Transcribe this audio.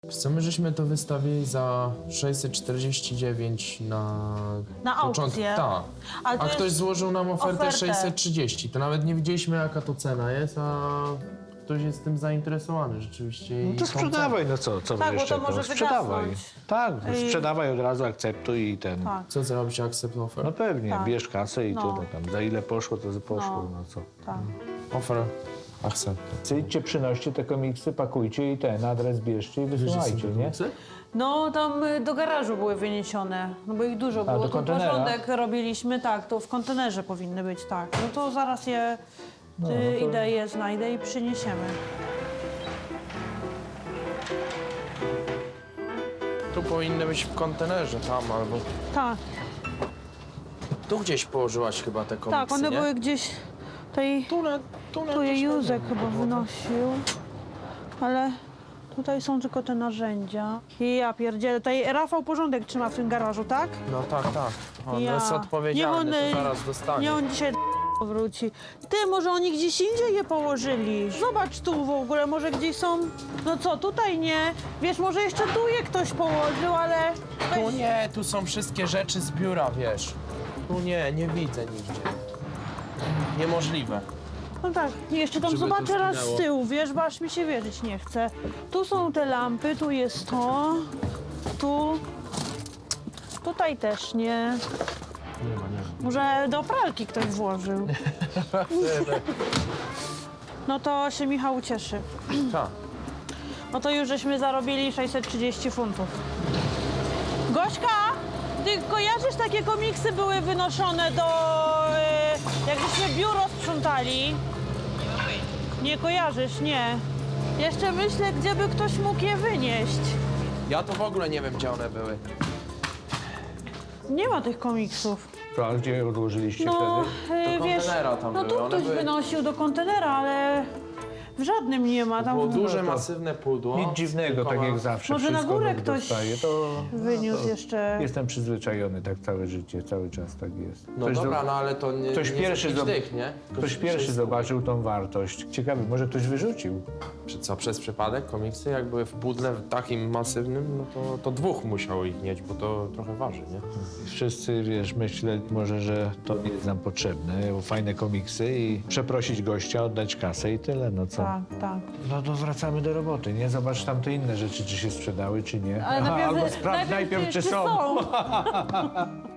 Co my żeśmy to wystawili za 649 na początku. aukcję. Tak. Ale to A jest ktoś złożył nam ofertę ofertę. 630. To nawet nie widzieliśmy, jaka to cena jest, a ktoś jest tym zainteresowany rzeczywiście. No i to tą sprzedawaj, no co Tak, bo będziesz to czekał? może Sprzedawaj. wygasnąć. Tak, sprzedawaj od razu, akceptuj i ten. Tak, Co zrobić, accept offer? No pewnie, Tak. bierz kasę i No. tyle tam. Za ile poszło, to poszło, no co. tak. Offer accept. Cyjdźcie, przynoście te komiksy, pakujcie i ten adres bierzcie i wysyłajcie, nie? No tam do garażu były wyniesione, no bo ich dużo było. do Tu kontenera? porządek robiliśmy, tak, to w kontenerze powinny być, tak. No to zaraz je no to- idę, je znajdę i przyniesiemy. Tu powinny być w kontenerze, tam albo... Tak, Tu gdzieś położyłaś chyba te komiksy, tak, one nie? były gdzieś tutaj, tu je Józek chyba wynosił, ale tutaj są tylko te narzędzia. I ja pierdzielę, tutaj Rafał porządek trzyma w tym garażu, tak? No tak, tak. On Ja. jest odpowiedzialny, Niech to on, zaraz dostanie. Nie, on dzisiaj wróci. Ty, może oni gdzieś indziej je położyli? Zobacz tu w ogóle, może gdzieś są... No co, tutaj nie. Wiesz, może jeszcze tu je ktoś położył, ale... Tu nie, tu są wszystkie rzeczy z biura, wiesz. Tu nie widzę nigdzie. Niemożliwe. No tak, jeszcze tam Żeby to zobaczę raz zginęło. z tyłu, wiesz, bo aż mi się wierzyć nie chce. Tu są te lampy, tu jest to, tu... Tutaj też nie. Nie ma. Może do pralki ktoś włożył. No to się Michał ucieszy. Tak. No to już żeśmy zarobili 630 funtów. Gośka, ty kojarzysz, takie komiksy były wynoszone do... jak żeśmy biuro sprzątali? Nie kojarzysz, nie. Jeszcze myślę, gdzie by ktoś mógł je wynieść. Ja to w ogóle nie wiem, gdzie one były. Nie ma tych komiksów. To, a gdzie je odłożyliście No, wtedy? Do wiesz, kontenera tam no były, tu one ktoś były- wynosił do kontenera, ale w żadnym nie ma. Tam Było duże, to- masywne pudło. Nic dziwnego, tak jak zawsze. Może na wszystko górę nowe ktoś dostaje. To wyniósł jeszcze. jestem przyzwyczajony tak całe życie, cały czas tak jest. No dobra, no ale to nie, ktoś nie pierwszy z jakichś zob- tych, nie? Tylko Ktoś pierwszy 600. zobaczył tą wartość. Ciekawe, może ktoś wyrzucił. Co, przez przypadek komiksy? Jak były w pudle takim masywnym, no to dwóch musiało ich mieć, bo to trochę waży, nie? Wszyscy, wiesz, myśleli może, że to nie jest nam potrzebne, bo fajne komiksy i przeprosić gościa, oddać kasę i tyle, no co? Tak, tak. No to wracamy do roboty, nie? Zobacz tam te inne rzeczy, czy się sprzedały, czy nie. Ale Aha, najpierw, albo sprawdź najpierw, czy czy są. są.